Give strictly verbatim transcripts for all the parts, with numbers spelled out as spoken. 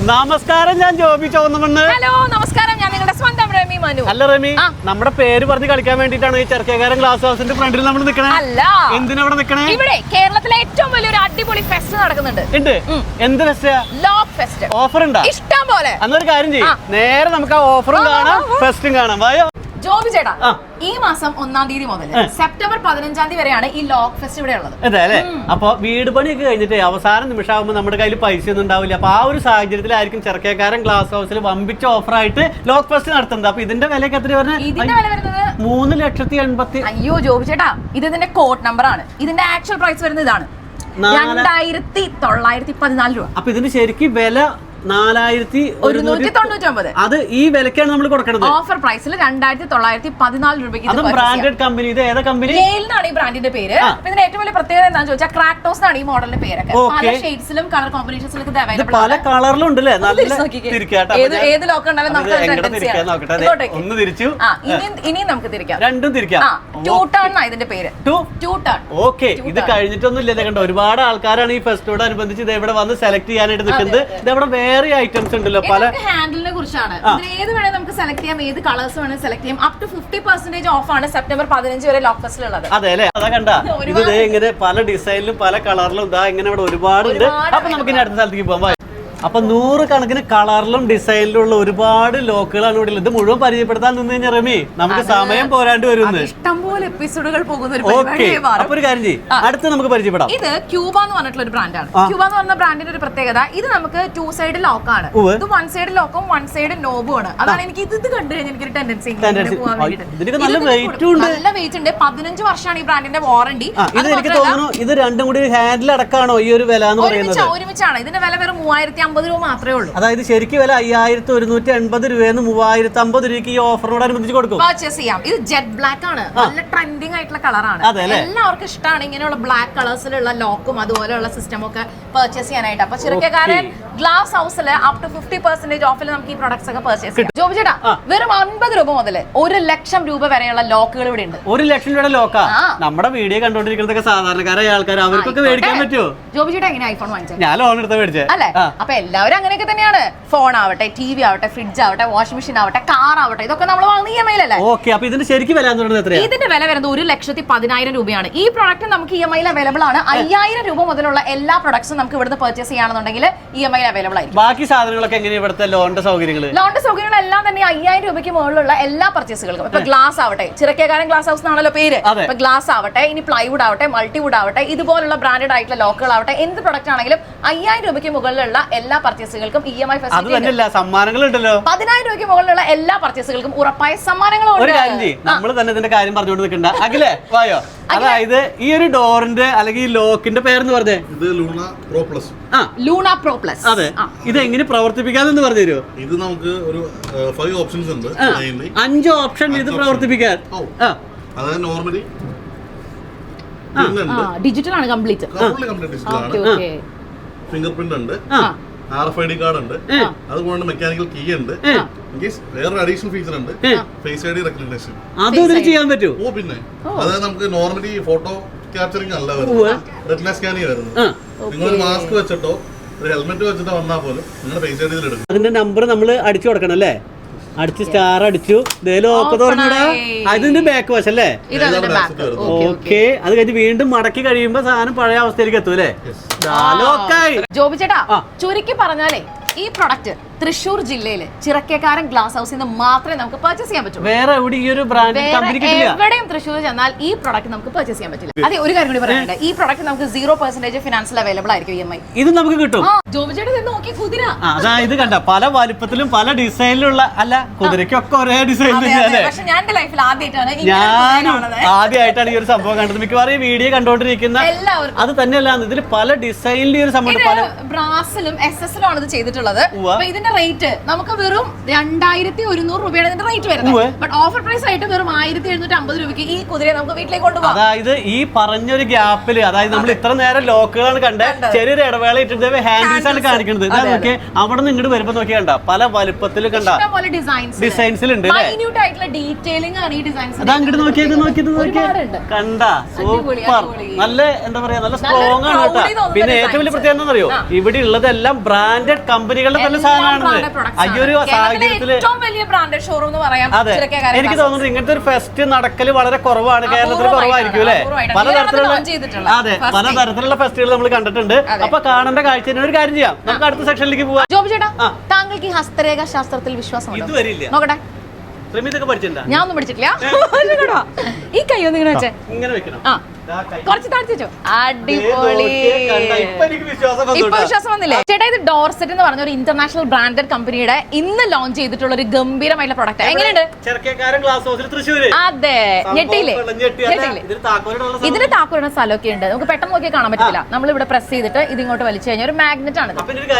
നമസ്കാരം, ഞാൻ ജോബി ചോന്നമണ്ണ്. ഹലോ നമസ്കാരം, ഞാൻ നിങ്ങളുടെ സ്വന്തം റമി മനു. അല്ല റമി, നമ്മുടെ പേര് പറഞ്ഞ് കളിക്കാൻ വേണ്ടിട്ടാണ് ഈ ചെറുക്കേകാരൻ ഗ്ലാസ് ഹൗസിന്റെ ഫ്രണ്ടിൽ നമ്മൾ നിൽക്കണേ? അല്ല. എന്തിനാ ഇവിടെ നിൽക്കണേ? ഇവിടെ കേരളത്തിലെ ഏറ്റവും വലിയൊരു അടിപൊളി ഫെസ്റ്റ് നടക്കുന്നുണ്ട്. ഉണ്ട്. എന്ത് ഫെസ്റ്റ്? Lock fest. ഓഫർ ഉണ്ടാ? ഇഷ്ടം പോലെ. അന്നൊരു കാര്യം ചെയ്യും, നേരെ നമുക്ക് ആ ഓഫറും കാണാം ഫെസ്റ്റും കാണാം. വായോ ജോബി ചേട്ടാ, ഈ മാസം ഒന്നാം തീയതി മുതൽ സെപ്റ്റംബർ പതിനഞ്ചാം തീയതി വരെയാണ് ഈ ലോക്ക് ഫെസ്റ്റ് ഇവിടെ ഉള്ളത്. അതെ അല്ലെ? അപ്പൊ വീട് പണിയൊക്കെ കഴിഞ്ഞിട്ട് അവസാന നിമിഷമാകുമ്പോൾ നമ്മുടെ കയ്യിൽ പൈസ ഒന്നും ഉണ്ടാവില്ല. അപ്പൊ ആ ഒരു സാഹചര്യത്തിലായിരിക്കും ചെറുക്കേക്കാരൻ ഗ്ലാസ് ഹൗസിൽ വമ്പിച്ച ഓഫർ ആയിട്ട് ലോക്ക് ഫെസ്റ്റ് നടത്തുന്നത്. അപ്പൊ ഇതിന്റെ വിലയൊക്കെ എത്ര പറഞ്ഞാൽ? ഇതിന്റെ വില വരുന്നത് മൂന്ന് ലക്ഷത്തി എൺപത്തി അയ്യോ ജോബി ചേട്ടാ, ഇത് ഇതിന്റെ കോഡ് നമ്പർ ആണ്. ഇതിന്റെ ആക്ച്വൽ പ്രൈസ് വരുന്നത് ഇതാണ്, രണ്ടായിരത്തി തൊള്ളായിരത്തി പതിനാല് രൂപ. അപ്പൊ ഇതിന് ശരിക്കും വില നാലായിരത്തി ഒരുന്നൂറ്റി തൊണ്ണൂറ്റി ഒമ്പത്. അത് ഈ വിലക്കാണ് നമ്മൾ കൊടുക്കുന്നത്. ഓഫർ പ്രൈസിൽ രണ്ടായിരത്തി തൊള്ളായിരത്തി പതിനാല് രൂപയ്ക്ക്. അത് ബ്രാൻഡഡ് കമ്പനി. ഇത് ഏതാ കമ്പനി? യെയിലാണ് ഈ ബ്രാൻഡിന്റെ പേര്. ഇതിന്റെ ഏറ്റവും വലിയ പ്രത്യേകത എന്താണെന്ന് ചോദിച്ചാൽ ക്രാക്ടോസ് ആണ് ഈ മോഡലിന്റെ പേരൊക്കെ. പല ഷെയ്ഡ്സിലും കളർ കോമ്പിനേഷൻസിലും ഇത് അവൈലബിൾ ആണ്. പല കളറിലും ഉണ്ട് അല്ലേ? നല്ല തിരിക്കാട്ടോ. ഏത് ലോക്ക് ഉണ്ടാലും നമുക്ക് ഒന്ന് തിരിച്ചു, ഇനിയും നമുക്ക് തിരിക്കാം. രണ്ടും തിരിക്കാം. ടൂ ടേൺ ആണ് ഇതിന്റെ പേര്. Two turn. ഓക്കെ, ഇത് കഴിഞ്ഞിട്ടൊന്നും ഇല്ല. കണ്ടോ, ഒരുപാട് ആൾക്കാരാണ് ഈ ഫെസ്റ്റോട് അനുബന്ധിച്ച് ഇത് ഇവിടെ വന്ന് സെലക്ട് ചെയ്യാനായിട്ട് നിൽക്കുന്നത്. ഇത് ഇവിടെ വേറെ ഐറ്റംസ് ഉണ്ടല്ലോ. പല ഹാൻഡിലിനെ കുറിച്ചാണ്. ഏത് വേണേ നമുക്ക് സെലക്ട് ചെയ്യാം, ഏത് കളേഴ്സ് വേണേ സെലക്ട് ചെയ്യാം. Up to fifty percentage off ആണ് സെപ്റ്റംബർ പതിനഞ്ച് വരെ ലോക്ക് ഫെസ്റ്റിലുള്ളത്. അതെ അല്ലെ? അതാ കണ്ട, ഇത് ഇങ്ങനെ പല ഡിസൈനിലും പല കളറിലും ഇതാ ഇങ്ങനെ ഇവിടെ ഒരുപാടുണ്ട്. അപ്പൊ നമുക്ക് ഇനി അടുത്ത സ്ഥലത്തേക്ക് പോകാം. അപ്പൊ നൂറ് കണക്കിന് കളറിലും ഡിസൈനിലും ഉള്ള ഒരുപാട് ലോക്കുകളാണ് ഇവിടെ. ഇത് മുഴുവൻ പരിചയപ്പെടുത്താൻ നിന്ന് കഴിഞ്ഞാൽ റമി നമുക്ക് സമയം പോരാണ്ട് വരുന്നു. ഇഷ്ടംപോലെ എപ്പിസോഡുകൾ പോകുന്ന ഒരു അപ്പൊ ഒരു കാര്യം ചെയ്യും, അടുത്ത് നമുക്ക് പരിചയപ്പെടാം. ഇത് ക്യൂബ എന്ന് പറഞ്ഞിട്ടുള്ള ഒരു ബ്രാൻഡാണ്. ക്യൂബ എന്ന് പറഞ്ഞ ബ്രാൻഡിന്റെ ഒരു പ്രത്യേകത, ഇത് നമുക്ക് ടു സൈഡ് ലോക്കാണ്. ഇത് വൺ സൈഡ് ലോക്കും വൺ സൈഡ് നോബും ആണ്. അതാണ് എനിക്ക് ഇത് ഇത് കണ്ടു കഴിഞ്ഞാൽ എനിക്കൊരു ടെൻഡൻസി പോകാൻ വേണ്ടിട്ട്. നല്ല വെയിറ്റ് ഉണ്ട്. പതിനഞ്ച് വർഷമാണ് ഈ ബ്രാൻഡിന്റെ വാറണ്ടി. ഇത് എനിക്ക് തോന്നുന്നു ഇത് രണ്ടും കൂടി ഹാൻഡിൽ അടക്കാണോ ഈ ഒരു വില എന്ന് പറയുന്നത്? ഒരുമിച്ചാണ്. ഇതിന്റെ വില വെറും മൂവായിരത്തി അമ്പത് രൂപ മാത്രമേ ഉള്ളൂ. അതായത് ശരിക്കും വില അയ്യായിരത്തി ഒരുന്നൂറ്റി എൺപത് രൂപയെന്ന് മൂവായിരത്തി അമ്പത് രൂപയ്ക്ക് ഈ ഓഫറിനോട് അനുബന്ധിച്ച് കൊടുക്കും. പർച്ചേസ് ചെയ്യാം. ഇത് ജെറ്റ് ബ്ലാക്ക് ആണ്. നല്ല ട്രെൻഡിങ് ആയിട്ടുള്ള കളറാണ്. എല്ലാവർക്കും ഇഷ്ടമാണ് ഇങ്ങനെയുള്ള ബ്ലാക്ക് കളേഴ്സിലുള്ള ലോക്കും അതുപോലെയുള്ള സിസ്റ്റം ഒക്കെ പർച്ചേസ് ചെയ്യാനായിട്ട്. അപ്പൊ ചെറുക്കേക്കാരൻ ഗ്ലാസ് ഹൗസിൽ അപ് ടു ഫിഫ്റ്റി പെർസെന്റേജ് ഓഫിൽ നമുക്ക് ഈ പ്രൊഡക്ട്സ് ഒക്കെ പർച്ചേസ് ചെയ്യാം. ജോബി ചേട്ടാ, വെറും അൻപത് രൂപ മുതൽ ഒരു ലക്ഷം രൂപ വരെയുള്ള ലോക്കുകൾ ഇവിടെ ഉണ്ട്. ഒരു ലക്ഷം രൂപയുടെ ലോക്കാ? നമ്മുടെ വീഡിയോ കണ്ടോണ്ടിരിക്കുന്നതൊക്കെ സാധാരണക്കാരായ ആൾക്കാർ, അവർക്കൊക്കെ മേടിക്കാൻ പറ്റുമോ? ജോബി ചേട്ടാ എങ്ങനെ ഐഫോൺ വാങ്ങിച്ചത്? ഞാൻ ലോൺ എടുത്ത മേടിച്ചേ അല്ലേ? അപ്പൊ എല്ലാവരും അങ്ങനെയൊക്കെ തന്നെയാണ്. ഫോൺ ആവട്ടെ, ടി വി ആവട്ടെ, ഫ്രിഡ്ജ് ആവട്ടെ, വാഷിംഗ് മെഷീൻ ആവട്ടെ, കാർ ആവട്ടെ, ഇതൊക്കെ നമ്മൾ വാങ്ങുന്ന ഇ എം ഐ അല്ലേ? ഓക്കെ, അപ്പൊ ഇതിന്റെ ശരിക്കും വില എത്രയാണ്? ഇതിന്റെ വില വരുന്നത് ഒരു ലക്ഷത്തി പതിനായിരം രൂപയാണ്. ഈ പ്രോഡക്റ്റ് നമുക്ക് ഇ എം ഐയിൽ അവൈലബിൾ ആണ്. അയ്യായിരം രൂപ മുതലുള്ള എല്ലാ പ്രൊഡക്ട്സും നമുക്ക് ഇവിടുന്ന് പർച്ചേസ് ചെയ്യുകയാണെന്നുണ്ടെങ്കിൽ ഇ എം ഐയിൽ അവൈലബിൾ ആയിരിക്കും. ബാക്കി സാധനങ്ങളൊക്കെ എങ്ങനെയാണ് ഇവിടുത്തെ ലോണിന്റെ സൗകര്യങ്ങൾ? ലോണിന്റെ സൗകര്യങ്ങളെല്ലാം തന്നെ അയ്യായിരം രൂപയ്ക്ക് മുകളിലുള്ള എല്ലാ പർച്ചേസുകൾക്കും. ഇപ്പൊ ഗ്ലാസ് ആവട്ടെ, ചിറക്കേകാരൻ ഗ്ലാസ് ഹൗസ് എന്നാണല്ലോ പേര്. ഇപ്പൊ ഗ്ലാസ് ആവട്ടെ, ഇനി പ്ലൈവുഡ് ആവട്ടെ, മൾട്ടിവുഡ് ആവട്ടെ, ഇതുപോലുള്ള ബ്രാൻഡഡ് ആയിട്ടുള്ള ലോക്കുകൾ ആവട്ടെ, എന്ത് പ്രൊഡക്റ്റ് ആണെങ്കിലും അയ്യായിരം രൂപയ്ക്ക് മുകളിലുള്ള എല്ലാ പർച്ചേസുകൾക്കും ഇ എം ഐ സമ്മാനങ്ങളുണ്ടല്ലോ. പതിനായിരം രൂപയ്ക്ക് മുകളിലുള്ള എല്ലാ പർച്ചേസുകൾക്കും ഉറപ്പായ സമ്മാനങ്ങളും. ഒരു കാര്യം ചെയ്യും, നമ്മൾ തന്നെ ഇതിന്റെ കാര്യം പറഞ്ഞുകൊണ്ട് നിൽക്കണ്ട. അഖിലേ വായോ. അതായത് ഈ ഒരു ഡോറിന്റെ അല്ലെങ്കിൽ ഈ ലോക്കിന്റെ പേരെന്ന് പറഞ്ഞേ? ഇത് ലൂണ പ്രോ പ്ലസ്. ആ, ലൂണ പ്രോ പ്ലസ്. അതെ. ഇത് എങ്ങനെ പ്രവർത്തിപ്പിക്കാന്ന് പറഞ്ഞു തരുമോ? ഇത് നമുക്ക് ഒരു ഫൈവ് ഓപ്ഷൻസ് ഉണ്ട്. അഞ്ച് ഓപ്ഷൻ ഇത് പ്രവർത്തിപ്പിക്കാൻ. അതായത് നോർമലി ഡിജിറ്റൽ ആണ്, കംപ്ലീറ്റ് ഡിജിറ്റൽ ആണ്. ഫിംഗർ പ്രിന്റ് ഉണ്ട്, R F I D card ഉണ്ട്, അതുകൊണ്ട് മെക്കാനിക്കൽ കീ ഉണ്ട്. വേറൊരു അഡീഷണൽ ഫീച്ചർ ഉണ്ട്, ഫേസ് ഐ ഡി റെക്കഗ്നിഷൻ. അതൊന്നും ചെയ്യാൻ പറ്റുമോ? ഓ പിന്നെ, അതായത് നമുക്ക് നോർമലി ഫോട്ടോ ക്യാപ്ചറിംഗ് അല്ല വരുന്നത്, റെറ്റിന സ്കാനിങ് വരുന്നത്. നിങ്ങളൊരു മാസ്ക് വെച്ചിട്ടോ ഒരു ഹെൽമെറ്റ് വെച്ചിട്ടോ വന്നാൽ പോലും നിങ്ങളുടെ ഫേസ് ഐ ഡിയിൽ എടുക്കും. അതിന്റെ നമ്പർ നമ്മൾ അടിച്ചു കൊടുക്കണം അല്ലേ? അടിച്ച് സ്റ്റാർ അടിച്ചു, ലോക്ക് തുറന്നിടാ. അതിന്റെ ബാക്ക് വശം അല്ലേ? ഓക്കെ. അത് കഴിഞ്ഞ് വീണ്ടും മടക്കി കഴിയുമ്പോ സാധനം പഴയ അവസ്ഥയിലേക്ക് എത്തും അല്ലേ? ജോബി ചേട്ടാ, ചുരുക്കി പറഞ്ഞാലേ ഈ പ്രൊഡക്റ്റ് തൃശ്ശൂർ ജില്ലയില് ചിറക്കേക്കാരൻ ഗ്ലാസ് ഹൗസിൽ നിന്ന് മാത്രമേ നമുക്ക് പർച്ചേസ് ചെയ്യാൻ പറ്റൂ. വേറെ എവിടെ ഈ ഒരു ബ്രാൻഡ് എവിടെയും തൃശ്ശൂർ ചെന്നാൽ ഈ പ്രൊഡക്റ്റ് നമുക്ക് പർച്ചേസ് ചെയ്യാൻ പറ്റില്ല. അതെ, ഒരു കാര്യം കൂടി പറയാനുണ്ട്, ഈ പ്രൊഡക്റ്റ് നമുക്ക് സീറോ പെർസെന്റേജ് ഫിനാൻസിൽ അവൈലബിൾ ആയിരിക്കും ഇ എം ഐ. ഇത് നമുക്ക് കിട്ടും. ജോബി ചേട്ടാ നോക്കി കുതിര. അതായത് കണ്ട പല വലുപ്പത്തിലും പല ഡിസൈനിലുള്ള, അല്ല കുതിരക്കൊക്കെ ഒരേ ഡിസൈനിൽ. ഞാൻ എന്റെ ലൈഫിൽ ആദ്യമായിട്ടാണ് ഞാൻ ആദ്യമായിട്ടാണ് ഈ ഒരു സംഭവം കണ്ടത്. മിക്കവാറും ഈ വീഡിയോ കണ്ടോണ്ടിരിക്കുന്ന എല്ലാവർക്കും അത് തന്നെയല്ല, ഇതിൽ പല ഡിസൈനിൽ ഒരു സംഭവം ബ്രാസിലും എസ് എസിലും ആണ് ഇത് ചെയ്തിട്ടുള്ളത്. ഇതിന്റെ റേറ്റ് നമുക്ക് വെറും രണ്ടായിരത്തി ഒരുന്നൂറ് രൂപയാണ് ഇതിന്റെ റേറ്റ് വരുന്നത്. ബട്ട് ഓഫർ പ്രൈസ് ആയിട്ട് വെറും ആയിരത്തി എഴുന്നൂറ്റി അമ്പത് രൂപയ്ക്ക് ഈ കുതിരയെ നമുക്ക് വീട്ടിലേക്ക് കൊണ്ടുപോകാം. അതായത് ഈ പറഞ്ഞൊരു ഗ്യാപ്പില്, അതായത് നമ്മൾ ഇത്ര നേരം ലോക്കുകളാണ് കണ്ടത്, ചെറിയൊരു ഇടവേള ഇട്ടിട്ട് ഹാൻഡിൽ പീസ് ആണ് കാണിക്കുന്നത്. ഇതാ നോക്കിയേ, അവിടെ നിന്ന് ഇങ്ങോട്ട് വരുമ്പോ നോക്കിയാ കണ്ട പല വലുപ്പത്തിൽ കണ്ട ഡിസൈൻസിലുണ്ട്. അതാ അങ്ങോട്ട് നോക്കിയത് നോക്കിയത് നോക്കിയത് കണ്ട സൂപ്പർ. നല്ല എന്താ പറയാ, നല്ല സ്ട്രോങ് ആണ് കേട്ടോ. പിന്നെ ഏറ്റവും വലിയ പ്രത്യേകത എന്താ അറിയോ, ഇവിടെ ഉള്ളതെല്ലാം ബ്രാൻഡഡ് കമ്പനികളുടെ തന്നെ സാധനമാണ്. ഈ ഒരു സാഹചര്യത്തില് അതെ, എനിക്ക് തോന്നുന്നത് ഇങ്ങനത്തെ ഒരു ഫെസ്റ്റ് നടക്കല് വളരെ കുറവാണ്, കേരളത്തിൽ കുറവായിരിക്കും അല്ലെ. പലതരത്തിലുള്ള അതെ പലതരത്തിലുള്ള ഫെസ്റ്റുകൾ നമ്മൾ കണ്ടിട്ടുണ്ട്. അപ്പൊ കാണേണ്ട കാഴ്ച ഒരു കാര്യം ചെയ്യാം, നമുക്ക് അടുത്ത സെക്ഷനിലേക്ക് പോവാം. ജോബി ചേട്ടാ, താങ്കൾക്ക് ഈ ഹസ്തരേഖ ശാസ്ത്രത്തിൽ വിശ്വാസം ഇത് വരില്ല. നോക്കട്ടെ, ഞാൻ ഒന്നും പഠിച്ചിട്ടില്ല. ഈ കൈ ഒന്ന് ഇങ്ങനെ വെച്ചേ, ഇങ്ങനെ വെക്കണം. കുറച്ച് താഴ്ത്തിച്ചോ. അടിപൊളി. ഇപ്പൊ വിശ്വാസം വന്നില്ലേ ചേട്ടാ? ഇത് ഡോർസെറ്റ് എന്ന് പറഞ്ഞ ഒരു ഇന്റർനാഷണൽ ബ്രാൻഡഡ് കമ്പനിയുടെ ഇന്ന് ലോഞ്ച് ചെയ്തിട്ടുള്ള ഒരു ഗംഭീരമായിട്ടുള്ള പ്രൊഡക്റ്റ്. എങ്ങനെയുണ്ട്? അതെ, ഞെട്ടിയില്ലേ? ഇതിന് താക്കോലിടുന്ന സ്ഥലമൊക്കെ ഉണ്ട്, നമുക്ക് പെട്ടെന്ന് നോക്കിയാൽ കാണാൻ പറ്റില്ല. നമ്മൾ ഇവിടെ പ്രസ് ചെയ്തിട്ട് ഇത് ഇങ്ങോട്ട് വലിച്ചു കഴിഞ്ഞാൽ ഒരു മാഗ്നറ്റ് ആണ്.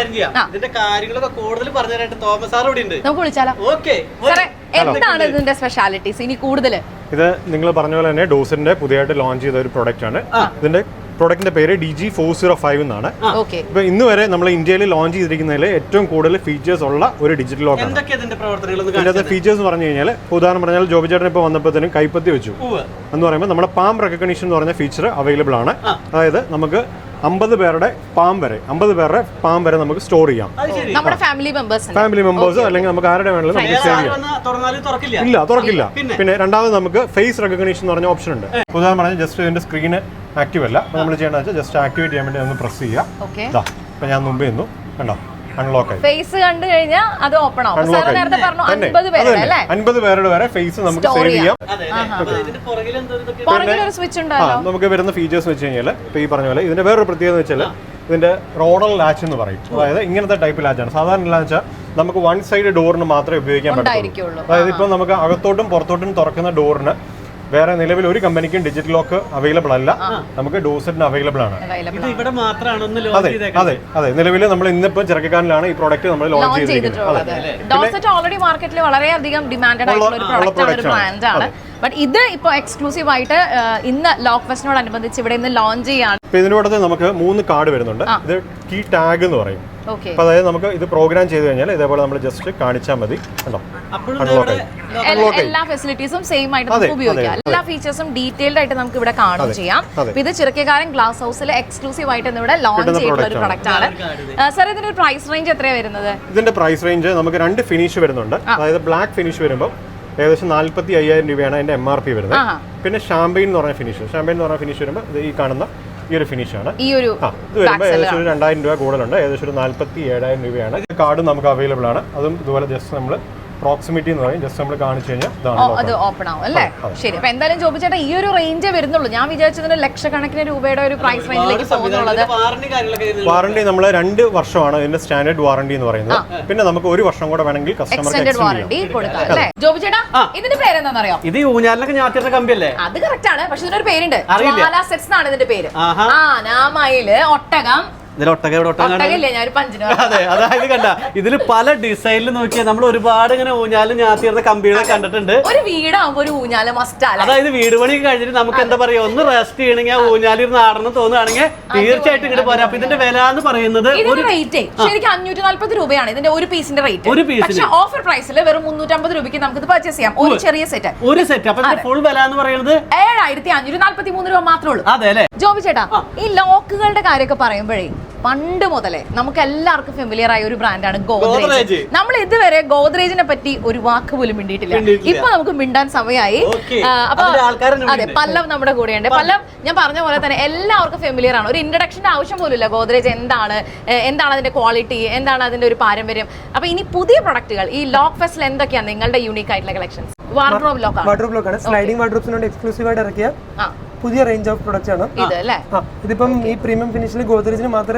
നമുക്ക് വിളിച്ചാലോ? സാറേ, എന്താണ് ഇതിന്റെ സ്പെഷ്യാലിറ്റീസ് ഇനി കൂടുതൽ? ഇത് നിങ്ങൾ പറഞ്ഞ പോലെ തന്നെ ഡോസിന്റെ പുതിയതായിട്ട് ലോഞ്ച് ചെയ്ത ഒരു പ്രൊഡക്റ്റ് ആണ്. ഇതിന്റെ പ്രൊഡക്റ്റിന്റെ പേര് D G four zero five എന്നാണ്. ഇപ്പൊ ഇന്ന് വരെ നമ്മൾ ഇന്ത്യയിൽ ലോഞ്ച് ചെയ്തിരിക്കുന്നതിൽ ഏറ്റവും കൂടുതൽ ഫീച്ചേഴ്സ് ഉള്ള ഒരു ഡിജിറ്റൽ ലോക്കാണ്. ഇതിന്റെ ഫീച്ചേഴ്സ് പറഞ്ഞു കഴിഞ്ഞാൽ, ഉദാഹരണം പറഞ്ഞാൽ ജോബി ചേട്ടൻ ഇപ്പോൾ വന്നപ്പോഴത്തേനും കൈപ്പത്തി വെച്ചു എന്ന് പറയുമ്പോൾ നമ്മുടെ പാം റെക്കഗ്നീഷൻ എന്ന് പറഞ്ഞ ഫീച്ചർ അവൈലബിൾ ആണ്. അതായത് നമുക്ക് അമ്പത് പേരുടെ പാം വരെ അമ്പത് പേരുടെ പാം വരെ നമുക്ക് സ്റ്റോർ ചെയ്യാം. നമ്മുടെ ഫാമിലി മെമ്പേഴ്സ് ഫാമിലി മെമ്പേഴ്സ് അല്ലെങ്കിൽ നമുക്ക് ആരുടെ വേണമെങ്കിലും നമുക്ക് സേവ് ചെയ്യാം. ഇല്ല, തുറക്കില്ല. പിന്നെ രണ്ടാമത് നമുക്ക് ഫേസ് റെക്കഗ്നീഷൻ എന്ന് പറഞ്ഞ ഓപ്ഷൻ ഉണ്ട്. ഉദാഹരണം പറഞ്ഞാൽ ജസ്റ്റ് ഇതിന്റെ സ്ക്രീന് ആക്റ്റീവ് അല്ല, അപ്പൊ നമ്മൾ ചെയ്യേണ്ടത് വെച്ചാൽ ജസ്റ്റ് ആക്ടിവേറ്റ് ചെയ്യാൻ വേണ്ടി ഒന്ന് പ്രസ് ചെയ്യാം. ഇപ്പൊ ഞാൻ മുമ്പേ നിന്നു കണ്ടോ, അൺലോക്ക് ആയി. ഫേസ് കണ്ടു കഴിഞ്ഞാൽ അത് ഓപ്പൺ ആവും. സാർ നേരത്തെ പറഞ്ഞു അൻപത് പേരുടെ അല്ലേ? അൻപത് പേരുടെ വരെ ഫേസ് നമുക്ക് സേവ് ചെയ്യാം. പുറകിൽ ഒരു സ്വിച്ച് ഉണ്ടല്ലോ. നമുക്ക് വരുന്ന ഫീച്ചേഴ്സ് വെച്ച് കഴിഞ്ഞാൽ ഇപ്പൊ ഈ പറഞ്ഞ പോലെ ഇതിന്റെ വേറൊരു പ്രത്യേകത വെച്ചാൽ ഇതിന്റെ റോഡൽ ലാച്ച് എന്ന് പറയും. അതായത് ഇങ്ങനത്തെ ടൈപ്പ് ലാച്ചാണ്. സാധാരണ ലാച്ച് നമുക്ക് വൺ സൈഡ് ഡോറിന് മാത്രമേ ഉപയോഗിക്കാൻ പറ്റുള്ളൂ. അതായത് ഇപ്പൊ നമുക്ക് അകത്തോട്ടും പുറത്തോട്ടും തുറക്കുന്ന ഡോറിന് വേറെ നിലവിൽ ഒരു കമ്പനിക്കും ഡിജിറ്റൽ ലോക്ക് അവൈലബിൾ അല്ല, നമുക്ക് ഡോസെറ്റിന് അവൈലബിൾ ആണ്. അതെ അതെ അതെ നിലവിൽ നമ്മൾ ഇന്നിപ്പോ ചെറുക്കാനിലാണ് ഈ പ്രോഡക്റ്റ് നമ്മൾ ലോഞ്ച് ചെയ്തിട്ടുള്ളത്. ഡോസെറ്റ് ഓൾറെഡി മാർക്കറ്റിൽ വളരെയധികം ഡിമാൻഡഡ് ആയിട്ടുള്ള ഒരു പ്രോഡക്റ്റ് ആണ്, ഒരു ബ്രാൻഡ് ആണ്. ബട്ട് ഇത് ഇപ്പൊ എക്സ്ക്ലൂസീവ് ആയിട്ട് ഇന്ന് ലോക്ക് ഫെസ്റ്റിനോടനുബന്ധിച്ച് ഇവിടെ ഇന്ന് ലോഞ്ച് ചെയ്യാണ്. ഇതിന്റെ കൂടെ നമുക്ക് മൂന്ന് കാർഡ് വരുന്നുണ്ട്. ഇത് കീ ടാഗ് എന്ന് പറയും. അപ്പൊ അതായത് നമുക്ക് ഇത് പ്രോഗ്രാം ചെയ്ത് കഴിഞ്ഞാൽ ഇതേപോലെ നമ്മൾ ജസ്റ്റ് കാണിച്ചാൽ മതി. എല്ലാ ഫെസിലിറ്റീസും സെയിം ആയിട്ട് നമുക്ക് ഉപയോഗിക്കാം. എല്ലാ ഫീച്ചേഴ്സും ഡീറ്റെയിൽഡ് ആയിട്ട് നമുക്ക് ഇവിടെ കാണുകയും ചെയ്യാം. ഇത് ചിറക്കക്കാരൻ ഗ്ലാസ് ഹൗസിൽ എക്സ്ക്ലൂസീവ് ആയിട്ട് ഇവിടെ ലോഞ്ച് ചെയ്തിട്ടുള്ള ഒരു പ്രൊഡക്റ്റ് ആണ്. സാർ, ഇതിന്റെ പ്രൈസ് റേഞ്ച് എത്രയാണ് വരുന്നത്? ഇതിന്റെ പ്രൈസ് റേഞ്ച് നമുക്ക് രണ്ട് ഫിനിഷ് വരുന്നുണ്ട്. അതായത് ബ്ലാക്ക് ഫിനിഷ് വരുമ്പോൾ ഏകദേശം നാല്പത്തി അയ്യായിരം രൂപയാണ് അതിന്റെ എം ആർ പി വരുന്നത്. പിന്നെ ഷാമ്പെയിൻ എന്ന് പറഞ്ഞ ഫിനിഷ് ഷാമ്പെയിൻ എന്ന് പറഞ്ഞ ഫിനിഷ് വരുമ്പോൾ ഈ കാണുന്ന ഈ ഒരു ഫിനിഷ് ആണ്. ഈ ഒരു ഇത് വരുമ്പോൾ ഏകദേശം ഒരു രണ്ടായിരം രൂപ കൂടുതലുണ്ട്. ഏകദേശം ഒരു നാല്പത്തി ഏഴായിരം രൂപയാണ്. കാർഡ് നമുക്ക് അവൈലബിൾ ആണ്. അതും ഇതുപോലെ ജസ്റ്റ് നമ്മൾ പ്രോക്സിമിറ്റി എന്ന് പറയും, ജസ്റ്റ് നമ്മൾ കാണിച്ചു കഴിഞ്ഞാൽ അത് ഓപ്പൺ ആവും അല്ലേ? ശരി. അപ്പൊ എന്തായാലും ജോബി ചേട്ടാ, ഈ ഒരു റേഞ്ചേ വരുന്നുള്ളൂ. ഞാൻ വിചാരിച്ചതിന് ലക്ഷക്കണക്കിന് രൂപയുടെ ഒരു പ്രൈസ് റേഞ്ചിലേക്ക് പോകുന്നുള്ളത്. വാറണ്ടി നമ്മൾ രണ്ട് വർഷമാണ് ഇതിന്റെ സ്റ്റാൻഡേർഡ് വാറണ്ടി എന്ന് പറയുന്നത്. പിന്നെ നമുക്ക് ഒരു വർഷം കൂടെ വേണമെങ്കിൽ കസ്റ്റമർക്ക് വാറണ്ടി കൊടുക്കാം അല്ലേ? ജോബി ചേട്ടാ, ഇതിന്റെ പേര് എന്താണെന്നറിയോ? ഇത് ഊഞ്ഞാലിനൊക്കെ ഞാറ്റിയുടെ കമ്പിയല്ലേ? അത് കറക്റ്റ് ആണ്. പക്ഷെ ഇതിനൊരു പേരുണ്ട്, ജ്വാല സെറ്റ്സ് എന്നാണ് ഇതിന്റെ പേര്. ആ നാമയില് ഒട്ടകം. അതെ, അതായത് കണ്ട ഇതില് പല ഡിസൈനിൽ നോക്കിയാൽ നമ്മൾ ഒരുപാട് ഇങ്ങനെ ഊഞ്ഞാലും ഞാത്തിയിരുന്ന കമ്പികളെ കണ്ടിട്ടുണ്ട്. ഒരു വീടാകുമ്പോ ഒരു ഊഞ്ഞാല് മസ്റ്റ്. അതായത് വീട് പണി കഴിഞ്ഞിട്ട് നമുക്ക് എന്താ പറയാ, ഒന്ന് റെസ്റ്റ് ചെയ്യണമെങ്കിൽ ആ ഊഞ്ഞാലിരുന്ന് ആടണം തോന്നുകയാണെങ്കിൽ തീർച്ചയായിട്ടും ഇങ്ങോട്ട് പോരാ. അപ്പൊ ഇതിന്റെ വില എന്ന് പറയുന്നത് റേറ്റ് ശരിക്കും അഞ്ഞൂറ്റി നാല്പത് രൂപയാണ് ഇതിന്റെ ഒരു പീസിന്റെ റേറ്റ്. ഒരു പീസിന് ഓഫർ പ്രൈസിൽ വെറും മുന്നൂറ്റമ്പത് രൂപയ്ക്ക് നമുക്ക് ഇത് പർച്ചേസ് ചെയ്യാം. ഒരു ചെറിയ സെറ്റ് ഒരു സെറ്റ്. അപ്പൊ ഫുൾ വില എന്ന് പറയുന്നത് ഏഴായിരത്തി അഞ്ഞൂറ്റി നാല്പത്തി മൂന്ന് രൂപ മാത്രമേ ഉള്ളൂ. അതെ അല്ലെ? ജോബി ചേട്ടാ, ഈ ലോക്കുകളുടെ കാര്യമൊക്കെ പറയുമ്പോഴേ പണ്ട് മുതലേ നമുക്ക് എല്ലാവർക്കും ഫെമിലിയർ ആയ ഒരു ബ്രാൻഡാണ് ഗോദ്രേജ്. നമ്മൾ ഇതുവരെ ഗോദ്രേജിനെ പറ്റി ഒരു വാക്ക് പോലും മിണ്ടിയിട്ടില്ല. ഇപ്പൊ നമുക്ക് മിണ്ടാൻ സമയമായി. അപ്പൊ അതെ, പല്ലവ് നമ്മുടെ കൂടെയുണ്ട്. പല്ലവ്, ഞാൻ പറഞ്ഞ പോലെ തന്നെ എല്ലാവർക്കും ഫെമിലിയർ ആണ്. ഒരു ഇൻട്രഡക്ഷന്റെ ആവശ്യം പോലും ഇല്ല. ഗോദ്രേജ് എന്താണ്, എന്താണ് അതിന്റെ ക്വാളിറ്റി, എന്താണ് അതിന്റെ ഒരു പാരമ്പര്യം. അപ്പൊ ഇനി പുതിയ പ്രൊഡക്റ്റുകൾ ഈ ലോക്ക് ഫെസ്റ്റിൽ എന്തൊക്കെയാണ് നിങ്ങളുടെ യൂണീക്ക് ആയിട്ടുള്ള കളക്ഷൻസ്? വാർഡ്രോബ് ലോക്ക് വാർഡ്രോബ് ലോക്കാണ്. സ്ലൈഡിംഗ് വാർഡ്രോബ്സിനോട് എക്സ്ക്ലൂസീവ് ആയിട്ട് ഇറക്കിയ പുതിയ റേഞ്ച് ഓഫ് പ്രൊഡക്ട്സ് ആണ് ഇതിപ്പം. ഈ പ്രീമിയം ഫിനിഷിൽ ഗോദ്രേജിന് മാത്രമേ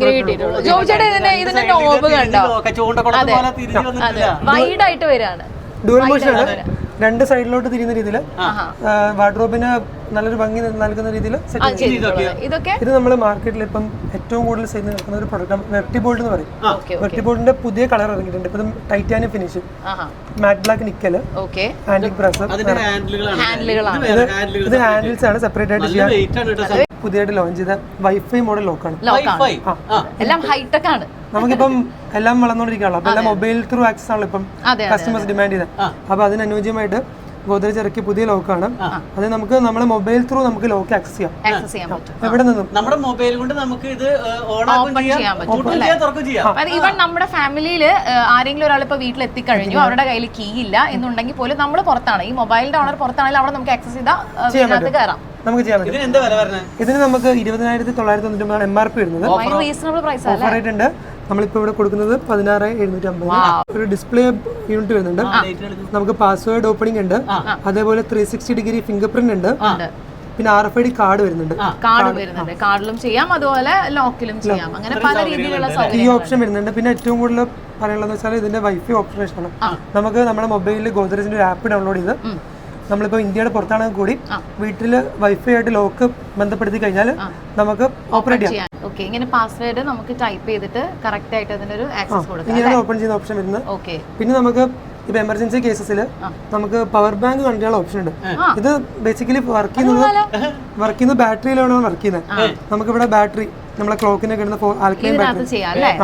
വൈഡ് ആയിട്ട് വരാണ്. ഡുവൽ മോഷൻ ആണ്, രണ്ട് സൈഡിലോട്ട് തിരിയുന്ന രീതിയിൽ വാർഡ്രോബിന് നല്ലൊരു ഭംഗി നൽകുന്ന രീതിയിൽ സെറ്റ് ചെയ്തിട്ടുണ്ട്. ഇത് നമ്മൾ മാർക്കറ്റിൽ ഇപ്പം ഏറ്റവും കൂടുതൽ സെയിൽ നടക്കുന്ന ഒരു പ്രൊഡക്റ്റ് വെർട്ടിബോൾഡ് എന്ന് പറയും. വെർട്ടിബോൾഡിന്റെ പുതിയ കളർ ഇറങ്ങിയിട്ടുണ്ട്. ഇപ്പം titanium finish, matt black nickel, antique brass. ഇത് ഹാൻഡിൽസ് ആണ്, സെപ്പറേറ്റ് ആയിട്ട് ചെയ്യാൻ പുതിയതായിട്ട് ലോഞ്ച് ചെയ്ത വൈഫൈ മോഡൽ ലോക്കാണ്. വൈഫൈ എല്ലാം ഹൈടെക് ആണ്. നമുക്കിപ്പം എല്ലാം വളർന്നുകൊണ്ടിരിക്കുകയാണല്ലോ, അപ്പൊ എല്ലാം മൊബൈൽ ത്രൂ ആക്സസ് ആണല്ലോ ഇപ്പം കസ്റ്റമേഴ്സ് ഡിമാൻഡ് ചെയ്തത്. അപ്പൊ അതിന് അനുയോജ്യമായിട്ട് ഗോദ്രേജ് ഇറക്കിയ പുതിയ ലോക്കാണ്. അത് നമുക്ക് നമ്മുടെ മൊബൈൽ ത്രൂ നമുക്ക് ലോക്ക് ആക്സസ് ചെയ്യാം. ആക്സസ് ചെയ്യാൻ പറ്റും. എവിടെ നിന്നും നമ്മുടെ മൊബൈൽ കൊണ്ട് നമുക്ക് ഇത് ഓൺ ചെയ്യാൻ പറ്റും. ഈവൻ നമ്മുടെ ഫാമിലിയിൽ ആരെങ്കിലും ഒരാൾ ഇപ്പൊ വീട്ടിൽ എത്തിക്കഴിഞ്ഞു, അവരുടെ കയ്യിൽ കീ ഇല്ല എന്നുണ്ടെങ്കിൽ പോലും നമ്മൾ പുറത്താണ്, ഈ മൊബൈലിന്റെ ഓണർ പുറത്താണെങ്കിൽ അവിടെ നമുക്ക് ആക്സസ് ചെയ്താൽ കയറാം. നമുക്ക് ചെയ്യാൻ പറ്റും. ഇതിന് നമുക്ക് ഇരുപതിനായിരത്തി തൊള്ളായിരത്തി തൊണ്ണൂറ്റി ഒമ്പതാണ് എം ആർ പി വരുന്നത്. റീസണബിൾ പ്രൈസ് ഓഫർ ആയിട്ടുണ്ട്. നമ്മളിപ്പോ ഇവിടെ കൊടുക്കുന്നത് പതിനാറ് എഴുന്നൂറ്റി അമ്പത്. ഒരു ഡിസ്പ്ലേ യൂണിറ്റ് വരുന്നുണ്ട്. നമുക്ക് പാസ്വേഡ് ഓപ്പണിംഗ് ഉണ്ട്, അതേപോലെ three sixty degree fingerprint ഉണ്ട്, പിന്നെ R F I D card വരുന്നുണ്ട്. കാർഡ് വരുന്നുണ്ട്, കാർഡിലും ചെയ്യാം, അതുപോലെ ലോക്കിലും ചെയ്യാം. അങ്ങനെ പല രീതിയിലുള്ള ഈ ഓപ്ഷൻ വരുന്നുണ്ട്. പിന്നെ ഏറ്റവും കൂടുതൽ പറയാനുള്ളത് വെച്ചാൽ ഇതിന്റെ വൈഫൈ ഓപ്പറേഷൻ ആണ്. നമുക്ക് നമ്മുടെ മൊബൈലിൽ ഗോദ്രേജിന്റെ ഒരു ആപ്പ് ഡൗൺലോഡ് ചെയ്ത് നമ്മളിപ്പോൾ ഇന്ത്യയുടെ പുറത്താണെങ്കിൽ കൂടി വീട്ടിൽ വൈഫൈ ആയിട്ട് ലോക്ക് ബന്ധപ്പെടുത്തി കഴിഞ്ഞാൽ നമുക്ക് ഓപ്പറേറ്റ് ചെയ്യാം. ഓക്കെ, ഇങ്ങനെ പാസ്വേഡ് നമുക്ക് ടൈപ്പ് ചെയ്തിട്ട് കറക്റ്റ് ആയിട്ട് അതിനൊരു ആക്സസ് കൊടുക്കാം. ഇങ്ങനെയാണ് ഓപ്പൺ ചെയ്യുന്ന ഓപ്ഷൻ വരുന്നത്. ഓക്കെ, പിന്നെ നമുക്ക് ഇപ്പൊ എമർജൻസി കേസസിൽ നമുക്ക് പവർ ബാങ്ക് കണക്ട് ചെയ്യാനുള്ള ഓപ്ഷൻ ഉണ്ട്. ഇത് ബേസിക്കലി വർക്ക് ചെയ്യുന്നത് വർക്ക് ചെയ്യുന്നത് ബാറ്ററിയിലാണ് വർക്ക് ചെയ്യുന്നത്. നമുക്ക് ഇവിടെ ബാറ്ററി നമ്മളെ ക്ലോക്കിനെ കിടന്ന ആൽക്കലൈൻ ബാറ്ററി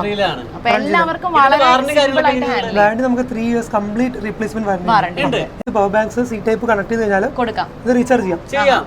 വാറണ്ടി നമുക്ക് three years complete replacement warranty. Power banks C type connect ചെയ്ത് കഴിഞ്ഞാൽ ഇത് റീചാർജ് ചെയ്യാം.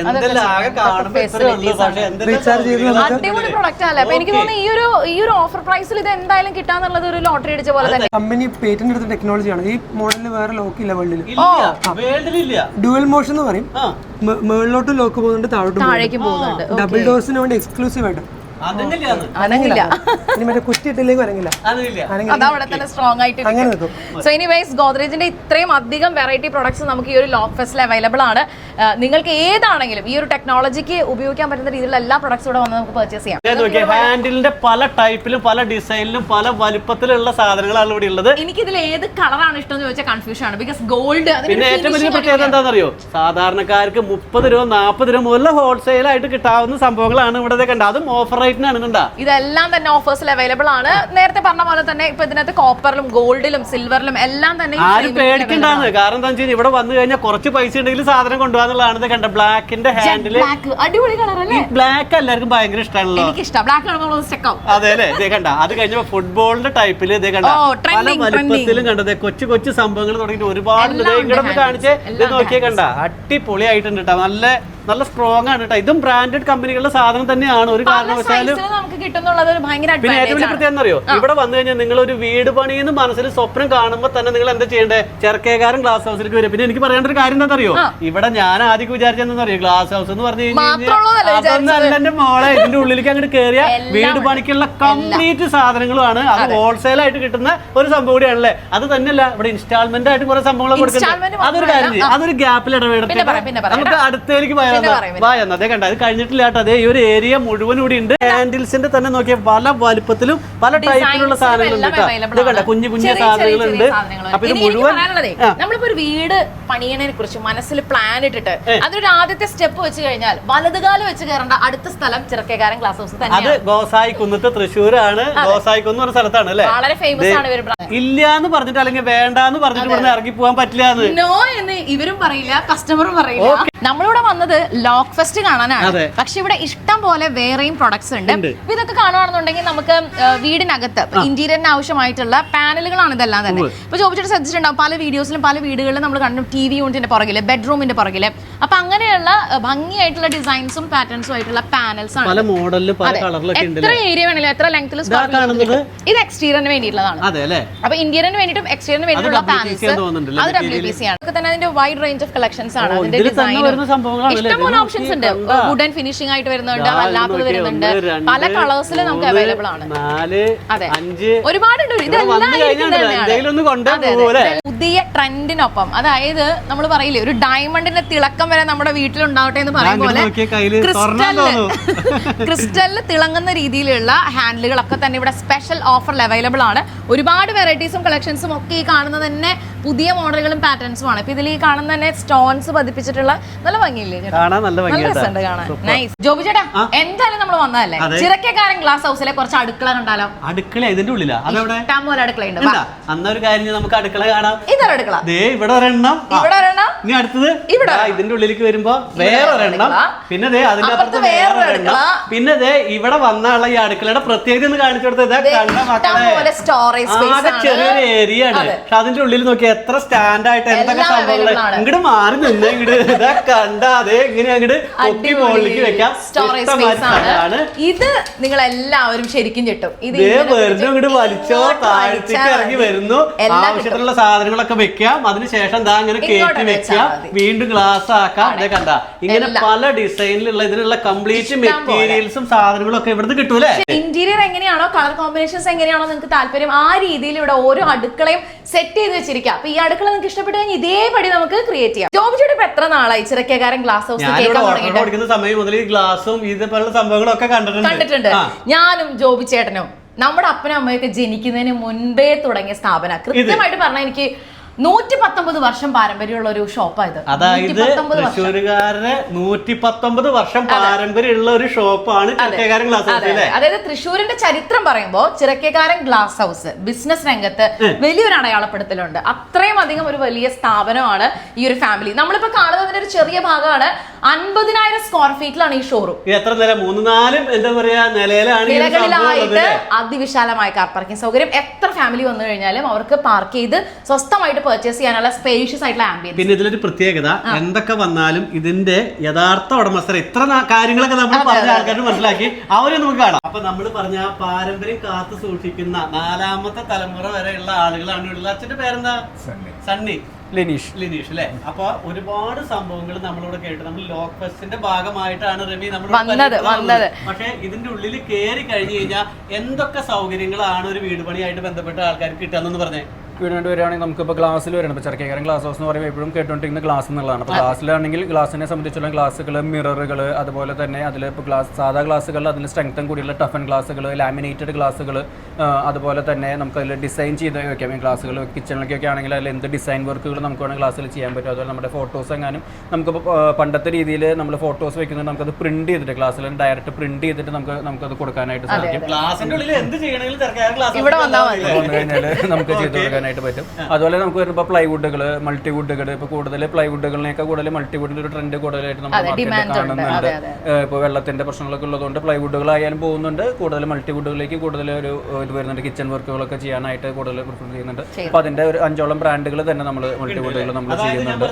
റീചാർജ് ചെയ്ത് അടിപൊളി പ്രൊഡക്റ്റ് അല്ലേ. അപ്പൊ എനിക്ക് തോന്നുന്നു ഈ ഒരു ഈ ഒരു ഓഫർ പ്രൈസിൽ ഇത് എന്തായാലും കിട്ടാന്നുള്ളത് ഒരു ലോട്ടറി അടിച്ച പോലെ തന്നെ. കമ്പനി പേറ്റന്റ് എടുത്ത ടെക്നോളജിയാണ്. ഈ മോഡലിൽ വേറെ ലോക്ക് ഇല്ല വേൾഡിൽ. വേൾഡിലില്ല. ഡ്യുവൽ മോഷൻ എന്ന് പറയും. മുകളിലോട്ട് ലോക്ക് പോകുന്നുണ്ട്, താഴോട്ട് പോകുന്നുണ്ട്. ഡബിൾ ഡോസിന് വേണ്ടി എക്സ്ക്ലൂസീവ് ആയിട്ട് അനങ്ങില്ല. ഇനി മറ്റേ കുറ്റിയിട്ടില്ലെങ്കിൽ അനങ്ങില്ല. അതവിടെ തന്നെ സ്ട്രോങ് ആയിട്ട്. അങ്ങനെ നിൽക്കും. സോ എനിവേസ് ഗോദ്രേജിന്റെ ഇത്രയും അധികം വെറൈറ്റി പ്രൊഡക്ട്സ് നമുക്ക് ഈ ഒരു ലോക്ക് ഫെസ്റ്റിൽ അവൈലബിൾ ആണ്. നിങ്ങൾക്ക് ഏതാണെങ്കിലും ഈ ഒരു ടെക്നോളജിക്ക് ഉപയോഗിക്കാൻ പറ്റുന്ന രീതിയിലുള്ള എല്ലാ പ്രൊഡക്ട്സും ഇവിടെ വന്ന് നമുക്ക് പർച്ചേസ് ചെയ്യാം. ഹാൻഡിലിന്റെ പല ടൈപ്പിലും പല ഡിസൈനിലും പല വലുപ്പത്തിലുള്ള സാധനങ്ങളാണ് ഇവിടെ ഉള്ളത്. എനിക്ക് ഇതിൽ ഏത് കളറാണ് ഇഷ്ടം എന്ന് ചോദിച്ചാൽ കൺഫ്യൂഷൻ ആണ്. ബിക്കോസ് ഗോൾഡ് പിന്നെ ഏറ്റവും വലിയ പ്രത്യേകത എന്താണെന്നറിയോ, സാധാരണക്കാർക്ക് മുപ്പത് രൂപ നാൽപ്പത് രൂപ മുതൽ ഹോൾസെയിൽ ആയിട്ട് കിട്ടാവുന്ന സംഭവങ്ങളാണ് ഇവിടെ കണ്ടത്. അതും ഓഫർ ഇതെല്ലാം തന്നെ ഓഫേഴ്സിൽ അവൈലബിൾ ആണ്. നേരത്തെ പറഞ്ഞ പോലെ തന്നെ ഇപ്പൊ ഇതിനകത്ത് കോപ്പറിലും ഗോൾഡിലും സിൽവറിലും എല്ലാം തന്നെ ആരും പേടിക്കണ്ടാന്ന്. കാരണം എന്താ വെച്ചാൽ ഇവിടെ വന്നു കഴിഞ്ഞാൽ കുറച്ച് പൈസ ഉണ്ടെങ്കിൽ സാധനം കൊണ്ടുപോകാന്നുള്ളതാണ്. കണ്ട ബ്ലാക്കിന്റെ ഹാൻഡില് അടിപൊളി കളർ അല്ലേ. ബ്ലാക്ക് എല്ലാവർക്കും ഭയങ്കര ഇഷ്ടമാണല്ലോ. എനിക്ക് ഇഷ്ടം ബ്ലാക്ക്. അതെ അല്ലേ. ഇതേ കണ്ട അത് കഴിഞ്ഞപ്പോ ഫുട്ബോളിന്റെ ടൈപ്പില് ഇതേ കണ്ട പല വലുപ്പത്തിലും കണ്ടത് കൊച്ചു കൊച്ചു സംഭവങ്ങൾ തുടങ്ങിയിട്ട് ഒരുപാട് ഇങ്ങോട്ട് കാണിച്ച് ഇത് നോക്കിയേ കണ്ട അടിപൊളിയായിട്ടുണ്ട് കേട്ടോ. നല്ല നല്ല സ്ട്രോങ് ആണ് കേട്ടോ. ഇതും ബ്രാൻഡഡ് കമ്പനികളുടെ സാധനം തന്നെയാണ്. ഒരു കാരണവശാലും പിന്നെ ഏറ്റവും വലിയ പ്രത്യേകം അറിയോ, ഇവിടെ വന്നു കഴിഞ്ഞാൽ നിങ്ങൾ ഒരു വീട് പണിയെന്ന് മനസ്സിൽ സ്വപ്നം കാണുമ്പോൾ തന്നെ നിങ്ങൾ എന്താ ചെയ്യേണ്ടത്, ചെറുക്കേകാരൻ ഗ്ലാസ് ഹൗസിലേക്ക് വരും. പിന്നെ എനിക്ക് പറയേണ്ട ഒരു കാര്യം എന്താ അറിയോ, ഇവിടെ ഞാൻ ആദ്യം വിചാരിച്ചെന്നറിയോ, ഗ്ലാസ് ഹൗസ് എന്ന് പറഞ്ഞു കഴിഞ്ഞാൽ അതൊന്നല്ല എന്റെ മോളെ. ഇതിന്റെ ഉള്ളിലേക്ക് അങ്ങോട്ട് കയറിയ വീട് പണിക്കുള്ള കംപ്ലീറ്റ് സാധനങ്ങളുമാണ്. അത് ഹോൾസെയിൽ ആയിട്ട് കിട്ടുന്ന ഒരു സംഭവം കൂടിയാണല്ലേ. അത് തന്നെയല്ല, ഇവിടെ ഇൻസ്റ്റാൾമെന്റ് ആയിട്ട് കുറെ സംഭവങ്ങൾ കൊടുക്കുന്നത്. അതൊരു കാര്യം, അതൊരു ഗ്യാപ്പിൽ ഇടപെടുത്തി നമുക്ക് അടുത്തേക്ക് പോയാൽ അതേ കണ്ട. അത് കഴിഞ്ഞിട്ടില്ല കേട്ടോ. അതേ ഈ ഒരു ഏരിയ മുഴുവൻ കൂടി ഉണ്ട്. ഹാൻഡിൽസിന്റെ തന്നെ നോക്കിയ പല വലുപ്പത്തിലും പല ടൈപ്പിലുള്ള സാധനങ്ങളുണ്ട് കേട്ടോ. ഇത് കണ്ട കുഞ്ഞു കുഞ്ഞു സാധനങ്ങളുണ്ട്. അപ്പൊ ഇത് മുഴുവൻ നമ്മളിപ്പോ ഒരു വീട് പണിയണതിനെ കുറിച്ച് മനസ്സിൽ പ്ലാൻ ഇട്ടിട്ട് അതൊരു ആദ്യത്തെ സ്റ്റെപ്പ് വെച്ച് കഴിഞ്ഞാൽ വലതുകാലം വെച്ച് കയറേണ്ട അടുത്ത സ്ഥലം ചിറക്കേകാരൻ ഗ്ലാസ് ഹൗസ് തന്നെ. അത് ഗോസായി കുന്നത്ത് തൃശ്ശൂരാണ്. ഗോസായി കുന്ന് ഒരു സ്ഥലത്താണ് അല്ലെ. വളരെ ഫേമസ് ആണ്. ഇല്ല എന്ന് പറഞ്ഞിട്ട് അല്ലെങ്കിൽ വേണ്ടാന്ന് പറഞ്ഞിട്ട് ഇവിടുന്ന് ഇറങ്ങി പോകാൻ പറ്റില്ല. നോ എന്ന് ഇവരും പറയില്ല, കസ്റ്റമറും പറയില്ല. നമ്മളിവിടെ വന്നത് ലോക്ക് ഫെസ്റ്റ് കാണാനാണ്. പക്ഷെ ഇവിടെ ഇഷ്ടം പോലെ വേറെയും പ്രൊഡക്ട്സ് ഉണ്ട്. ഇതൊക്കെ കാണുകയാണെന്നുണ്ടെങ്കിൽ നമുക്ക് വീടിനകത്ത് ഇന്റീരിയറിന് ആവശ്യമായിട്ടുള്ള പാനലുകളാണ് ഇതെല്ലാം തന്നെ. ഇപ്പൊ ചോദിച്ചിട്ട് ശ്രദ്ധിച്ചിട്ടുണ്ടാവും പല വീഡിയോസിലും പല വീടുകളിലും നമ്മൾ കണ്ടു ടി വി യൂണിറ്റിന്റെ പുറകില്, ബെഡ്റൂമിന്റെ പുറകില്. അപ്പൊ അങ്ങനെയുള്ള ഭംഗിയായിട്ടുള്ള ഡിസൈൻസും പാറ്റേൺസും ആയിട്ടുള്ള പാനൽസ് ആണ്. എത്ര ഏരിയ വേണമെങ്കിലും എത്ര ലെങ്ത്തിൽ ഇത് എക്സ്റ്റീരിയറിന് വേണ്ടിയിട്ടുള്ളതാണ്. അപ്പൊ ഇന്റീരിയറിന് വേണ്ടിയിട്ടും എക്സ്റ്റീരിയറിന് വേണ്ടിയിട്ടുള്ള പാനൽസ് അത് ഡബ്ല്യു പി സി ആണ്. അതൊക്കെ തന്നെ അതിന്റെ വൈഡ് റേഞ്ച് ഓഫ് കളക്ഷൻസ് ആണ്. അതിന്റെ ഡിസൈൻ ഇഷ്ടംപോലെ ഓപ്ഷൻസ് ഉണ്ട്. വുഡൻ ഫിനിഷിംഗ് ആയിട്ട് വരുന്നുണ്ട്, അല്ലാത്തത് വരുന്നുണ്ട്. പല കളേഴ്സിൽ നമുക്ക് അവൈലബിൾ ആണ്. അതെ, ഒരുപാടുണ്ട്. ഇതെല്ലാം പുതിയ ട്രെൻഡിനൊപ്പം, അതായത് നമ്മൾ പറയില്ലേ ഒരു ഡയമണ്ടിന്റെ തിളക്കം വരെ നമ്മുടെ വീട്ടിലുണ്ടാവട്ടെ എന്ന് പറയും പോലെ ക്രിസ്റ്റലില് ക്രിസ്റ്റലില് തിളങ്ങുന്ന രീതിയിലുള്ള ഹാൻഡിലുകളൊക്കെ തന്നെ ഇവിടെ സ്പെഷ്യൽ ഓഫറിൽ അവൈലബിൾ ആണ്. ഒരുപാട് വെറൈറ്റീസും കളക്ഷൻസും ഒക്കെ ഈ കാണുന്നത് തന്നെ പുതിയ മോഡലുകളും പാറ്റേൺസും ആണ്. ഇപ്പൊ ഇതിൽ ഈ കാണുന്ന തന്നെ സ്റ്റോൺസ് പതിപ്പിച്ചിട്ടുള്ള നല്ല ഭംഗിയില്ലേ ചേട്ടാ? കാണാൻ നല്ല രസമുണ്ട് കാണാൻ. നൈസ്. ജോബി ചേട്ടാ എന്തായാലും നമ്മൾ വന്നതല്ലേ, ചിറക്കക്കാരൻ ഗ്ലാസ് ഹൗസിലെ കുറച്ച് അടുക്കള കണ്ടാലോ? അടുക്കള ഇതിന്റെ ഉള്ളിലാ? ഇഷ്ടം പോലെ അടുക്കളയുണ്ട്. അന്നൊരു കാര്യം നമുക്ക് അടുക്കള കാണാം. ഇതൊരു അടുക്കള, ദേ ഇവിടെ ഒരെണ്ണം, ഇവിടെ ഒരെണ്ണം, ഇനി അടുത്തത് ഇവിടെ ഇതിന്റെ ഉള്ളിലേക്ക് വരുമ്പോ വേറെ ഒരെണ്ണം, പിന്നെ ദേ അതിന്റെ അപ്പുറത്ത് വേറെ ഒരെണ്ണം, പിന്നെ ദേ ഇവിടെ വന്നുള്ള ഈ അടുക്കളയുടെ പ്രത്യേകത ഒന്ന് കാണിച്ചു കൊടുത്തത് കണ്ട മക്കളെ ആകെ ചെറിയൊരു ഏരിയ ആണ്. പക്ഷെ അതിന്റെ ഉള്ളിൽ നോക്കി എത്ര സ്റ്റാൻഡ് ആയിട്ട് എന്തൊക്കെ സംഭവങ്ങൾ. ഇങ്ങോട്ട് മാറി നിന്ന് ഇങ്ങോട്ട് ഇതാ കണ്ട അതേ ഇങ്ങനെ അങ്ങോട്ട് പൊക്കി മുകളിലേക്ക് വെക്കാം. ഇത് നിങ്ങൾ എല്ലാവരും ശരിക്കും കിട്ടും. ഇത് വെറുതെ ഇങ്ങോട്ട് വലിച്ചോ താഴ്ചക്ക് ഇറങ്ങി വരുന്നു. ആവശ്യത്തിനുള്ള സാധനങ്ങളൊക്കെ വെക്കാം. അതിനുശേഷം ദാ ഇങ്ങനെ കയറ്റി വെക്കാം, വീണ്ടും ഗ്ലാസ് ആക്കാം. ഇതേ കണ്ട ഇങ്ങനെ പല ഡിസൈനിലുള്ള ഇതിനുള്ള കംപ്ലീറ്റ് മെറ്റീരിയൽസും സാധനങ്ങളും ഒക്കെ ഇവിടുന്ന് കിട്ടൂലേ. ഇന്റീരിയർ എങ്ങനെയാണോ കളർ കോമ്പിനേഷൻസ് എങ്ങനെയാണോ നിങ്ങൾക്ക് താല്പര്യം ആ രീതിയിൽ ഇവിടെ ഓരോ അടുക്കളയും സെറ്റ് ചെയ്ത് വെച്ചിരിക്കാം. അപ്പൊ ഈ അടുക്കള നിങ്ങൾക്ക് ഇഷ്ടപ്പെട്ട് കഴിഞ്ഞാൽ ഇതേപടി നമുക്ക് ക്രിയേറ്റ് ചെയ്യാം. ജോബി ചേട്ടൻ ഇപ്പൊ എത്ര നാളായി ചിറക്കക്കാരൻ ഗ്ലാസ് ഹൗസ് കേൾക്കാൻ സമയം മുതൽ ഈ ഗ്ലാസും ഇതുപോലുള്ള സംഭവങ്ങളൊക്കെ കണ്ടിട്ടുണ്ട് കണ്ടിട്ടുണ്ട് ഞാനും ജോബി ചേട്ടനും. നമ്മുടെ അപ്പനും അമ്മയൊക്കെ ജനിക്കുന്നതിന് മുൻപേ തുടങ്ങിയ സ്ഥാപനം. കൃത്യമായിട്ട് പറഞ്ഞാൽ എനിക്ക് നൂറ്റി പത്തൊമ്പത് വർഷം പാരമ്പര്യമുള്ള ഒരു ഷോപ്പായത്. അതായത് തൃശ്ശൂരുകാരുടെ നൂറ്റി പത്തൊമ്പത് വർഷം പാരമ്പര്യമുള്ള ഒരു ഷോപ്പാണ് ചിറക്കക്കാരൻ ഗ്ലാസ് ഹൗസ്. അതായത് തൃശ്ശൂരിന്റെ ചരിത്രം പറയുമ്പോൾ ചിറക്കക്കാരൻ ഗ്ലാസ് ഹൗസ് ബിസിനസ് രംഗത്ത് വലിയൊരു അടയാളപ്പെടുത്തലുണ്ട്. അത്രയും അധികം ഒരു വലിയ സ്ഥാപനമാണ് ഈ ഒരു ഫാമിലി. നമ്മളിപ്പോ കാണുന്നതിന്റെ ഒരു ചെറിയ ഭാഗമാണ്. അൻപതിനായിരം സ്ക്വയർ ഫീറ്റിലാണ് ഈ ഷോറൂം. എത്ര നില? മൂന്ന് നാലും എന്താ പറയാ നിലയിലാണ്. നിലകളിലായിട്ട് അതിവിശാലമായ കാർ പാർക്കിംഗ് സൗകര്യം. എത്ര ഫാമിലി വന്നു കഴിഞ്ഞാലും അവർക്ക് പാർക്ക് ചെയ്ത് സ്വസ്ഥമായിട്ട് പർച്ചേസ് ചെയ്യാനുള്ള സ്പേഷ്യസ് ആയിട്ടുള്ള ആംബിയൻസ്. പിന്നെ ഇതിലൊരു പ്രത്യേകത, എന്തൊക്കെ വന്നാലും ഇതിന്റെ യഥാർത്ഥ ഉടമസ്ഥർ ഇത്ര കാര്യങ്ങളൊക്കെ നമ്മൾ പറഞ്ഞ ആൾക്കാർക്ക് മനസ്സിലാക്കി അവരെ നമുക്ക് കാണാം. അപ്പൊ നമ്മൾ പറഞ്ഞ പാരമ്പര്യം കാത്തു സൂക്ഷിക്കുന്ന നാലാമത്തെ തലമുറ വരെയുള്ള ആളുകളാണ് ഉള്ളത്. അച്ഛന്റെ പേരെന്താ? സണ്ണി. ലിനീഷ്. ലിനീഷ് അല്ലെ? അപ്പൊ ഒരുപാട് സംഭവങ്ങൾ നമ്മളിവിടെ കേട്ടു. നമ്മൾ ലോക്ക് ഫെസ്റ്റിന്റെ ഭാഗമായിട്ടാണ് റമി നമ്മൾ വന്നത്. പക്ഷെ ഇതിന്റെ ഉള്ളിൽ കയറി കഴിഞ്ഞു കഴിഞ്ഞാൽ എന്തൊക്കെ സൗകര്യങ്ങളാണ് ഒരു വീട് പണിയായിട്ട് ബന്ധപ്പെട്ട ആൾക്കാർക്ക് കിട്ടാന്ന് പറഞ്ഞേ. വീടിനോട്ട് വരികയാണെങ്കിൽ നമുക്കിപ്പോൾ ഗ്ലാസ്സിൽ വരണം. ഇപ്പോൾ ചിറക്കക്കാരൻ ഗ്ലാസ് ഹൗസ് എന്ന് പറയുമ്പോൾ എപ്പോഴും കേട്ടുകൊണ്ടിരിക്കുന്ന ഗ്ലാസ് എന്നുള്ളതാണ്. അപ്പോൾ ഗ്ലാസ്സിലാണെങ്കിൽ ഗ്ലാസിനെ സംബന്ധിച്ചുള്ള ഗ്ലാസുകൾ, മിററുകൾ, അതുപോലെ തന്നെ അതിൽ ഇപ്പോൾ ഗ്ലാസ് സാധാ ഗ്ലാസുകളിൽ അതിൽ സ്ട്രെങ്തൻ കൂടിയുള്ള ടഫൻ ഗ്ലാസുകൾ, ലാമിനേറ്റഡ് ഗ്ലാസുകൾ, അതുപോലെ തന്നെ നമുക്ക് അതിൽ ഡിസൈൻ ചെയ്ത് വെക്കാം. ഈ ഗ്ലാസുകൾ കിച്ചണിലേക്കൊക്കെ ആണെങ്കിൽ അതിൽ എന്ത് ഡിസൈൻ വർക്കുകൾ നമുക്ക് വേണമെങ്കിൽ ഗ്ലാസ്സിൽ ചെയ്യാൻ പറ്റും. അതുപോലെ നമ്മുടെ ഫോട്ടോസ് എങ്ങാനും നമുക്കിപ്പോൾ പണ്ടത്തെ രീതിയിൽ നമ്മൾ ഫോട്ടോസ് വെക്കുന്നത് നമുക്കത് പ്രിന്റ് ചെയ്തിട്ട് ഗ്ലാസ്സിൽ ഡയറക്റ്റ് പ്രിന്റ് ചെയ്തിട്ട് നമുക്ക് നമുക്കത് കൊടുക്കാനായിട്ട് സാധിക്കും. വന്നു കഴിഞ്ഞാൽ നമുക്ക് ചെയ്ത് കൊടുക്കാനായിട്ട് പറ്റും. അതുപോലെ നമുക്ക് വരുമ്പോൾ പ്ലൈവുഡുകൾ, മൾട്ടിവുഡുകൾ, ഇപ്പോൾ കൂടുതൽ പ്ലൈവുഡുകളിനേക്കാൾ കൂടുതൽ മൾട്ടിവുഡിന്റെ ഒരു ട്രെൻഡ് കൂടുതലായിട്ട് നമ്മൾ മാർക്കറ്റിൽ കാണുന്നുണ്ട്. ഇപ്പോൾ വെള്ളത്തിന്റെ പ്രശ്നങ്ങളൊക്കെ ഉള്ളതുകൊണ്ട് പ്ലൈവുഡുകളായാലും പോകുന്നുണ്ട്. കൂടുതൽ മൾട്ടിവുഡുകളിലേക്ക് കൂടുതൽ ഒരു ഇത് വരുന്നുണ്ട്. കിച്ചൺ വർക്കുകളൊക്കെ ചെയ്യാനായിട്ട് കൂടുതൽ പ്രിഫർ ചെയ്യുന്നുണ്ട്. അപ്പൊ അതിന്റെ ഒരു അഞ്ചോളം ബ്രാൻഡുകൾ തന്നെ നമ്മൾ മൾട്ടിവുഡുകൾ നമ്മൾ ചെയ്യുന്നുണ്ട്.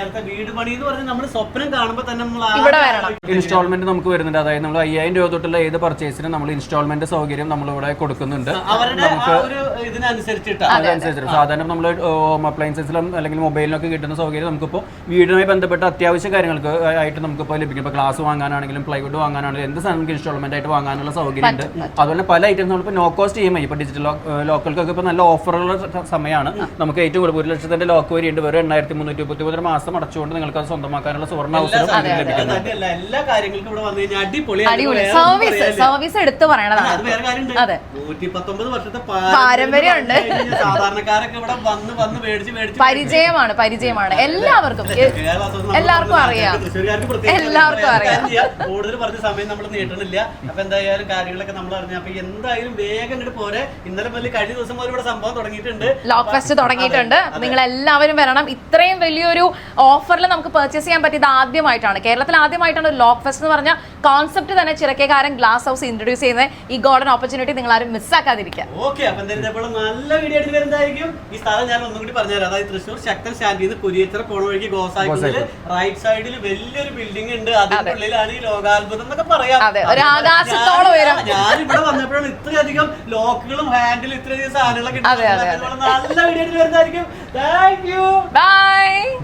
ഇൻസ്റ്റാൾമെന്റ് നമുക്ക് വരുന്നുണ്ട്. അതായത് നമ്മൾ അയ്യായിരം രൂപ തൊട്ടുള്ള ഏത് പർച്ചേസിനും നമ്മൾ ഇൻസ്റ്റാൾമെന്റ് സൗകര്യം നമ്മളിവിടെ കൊടുക്കുന്നുണ്ട്. നമുക്ക് അതനുസരിച്ച് സാധാരണ നമ്മൾ ഹോം അപ്ലയൻസസിലും അല്ലെങ്കിൽ മൊബൈലിനൊക്കെ കിട്ടുന്ന സൗകര്യം നമുക്കിപ്പോൾ വീടുമായി ബന്ധപ്പെട്ട അത്യാവശ്യ കാര്യങ്ങൾക്ക് ആയിട്ട് നമുക്കിപ്പോൾ ലഭിക്കും. ഇപ്പോൾ ഗ്ലാസ് വാങ്ങാനാണെങ്കിലും പ്ലൈവുഡ് വാങ്ങാനാണെങ്കിലും എന്ത് സാധനം നമുക്ക് ഇൻസ്റ്റാൾമെന്റ് ആയിട്ട് വാങ്ങാനുള്ള സൗകര്യം ഉണ്ട്. അതുപോലെ പല ഐറ്റംസ് നമ്മളിപ്പോൾ no cost E M I ഇപ്പോൾ ഡിജിറ്റൽ ലോക്കൽക്കൊക്കെ ഇപ്പോൾ നല്ല ഓഫറുള്ള സമയമാണ്. നമുക്ക് ഏറ്റവും കൂടുതൽ ഒരു ലക്ഷത്തിന്റെ ലോക്ക് വരെയുണ്ട്. വെറും എണ്ണായിരത്തി മുന്നൂറ്റി മുപ്പത്തി മൂന്ന് മാസം അടച്ചുകൊണ്ട് നിങ്ങൾക്ക് അത് സ്വന്തമാക്കാനുള്ള സുവർണ്ണ അവസരം ലഭിക്കുന്നുണ്ട്. എല്ലാ കാര്യങ്ങൾക്കും ഇവിടെ വന്നു കഴിഞ്ഞാൽ അടിപൊളി സർവീസ് എടുത്ത് പറയണതാണ്. നൂറ്റി പത്തൊമ്പത് വർഷത്തെ പാരമ്പര്യമുണ്ട്. സാധാരണക്കാരൊക്കെ ഇവിടെ വന്ന് വന്ന് മേടിച്ച് മേടിച്ച് പരിചയമാണ് പരിചയമാണ് എല്ലാവർക്കും എല്ലാവർക്കും അറിയാം എല്ലാവർക്കും അറിയാം. കൂടുതൽ പറഞ്ഞ സമയം നമ്മൾ നീട്ടണില്ല. അപ്പൊ എന്തായാലും കാര്യങ്ങളൊക്കെ നമ്മൾ അറിഞ്ഞു. അപ്പൊ എന്തായാലും വേഗം ഇങ്ങോട്ട് പോരെ. ഇന്നലെ മുതൽ കഴിഞ്ഞ ദിവസം മുതൽ ഇവിടെ സംഭവം തുടങ്ങിയിട്ടുണ്ട്. ലോക്ക് ഫെസ്റ്റ് തുടങ്ങിയിട്ടുണ്ട്. നിങ്ങൾ എല്ലാവരും വരണം. ഇത്രയും വലിയൊരു ഓഫറിൽ നമുക്ക് പർച്ചേസ് ചെയ്യാൻ പറ്റിയത് ആദ്യമായിട്ടാണ്. കേരളത്തിൽ ആദ്യമായിട്ടാണ് ഒരു ലോക്ക് ഫെസ്റ്റ് എന്ന് പറഞ്ഞ കോൺസെപ്റ്റ് തന്നെ ചിറക്കക്കാരൻ ഗ്ലാസ് ഹൗസ് ഇൻട്രൊഡ്യൂസ് ചെയ്യുന്നത്. ഈ ഗോൾഡൻ ഓപ്പർച്യൂണിറ്റി നിങ്ങൾ ആരും മിസ്സാക്കാതിരിക്കുക. ഓക്കെ, അപ്പൊ എന്തായാലും നല്ല വീഡിയോ ആയിട്ട് വരുന്നതായിരിക്കും. ഈ സ്ഥലം ഞാൻ ഒന്നും കൂടി പറഞ്ഞുതരാം. അതായത് തൃശ്ശൂർ ശക്തൻ സ്റ്റാൻഡിൽ കുരിയച്ചിറ പോണ വഴിക്ക് ഗോസായിക്കുന്നിൽ റൈറ്റ് സൈഡിൽ വലിയൊരു ബിൽഡിംഗ് ഉണ്ട്. അതിന്റെ ഉള്ളിലാണ് ഈ ലോകാത്ഭുതം എന്നൊക്കെ പറയാം. ഞാൻ ഇവിടെ വന്നപ്പോഴാണ് ഇത്രയധികം ലോക്കുകളും ഹാൻഡിലും ഇത്രയധികം സാധനങ്ങളൊക്കെ നല്ല വീഡിയോ ആയിട്ട് വരുന്നതായിരിക്കും. Thank you, by.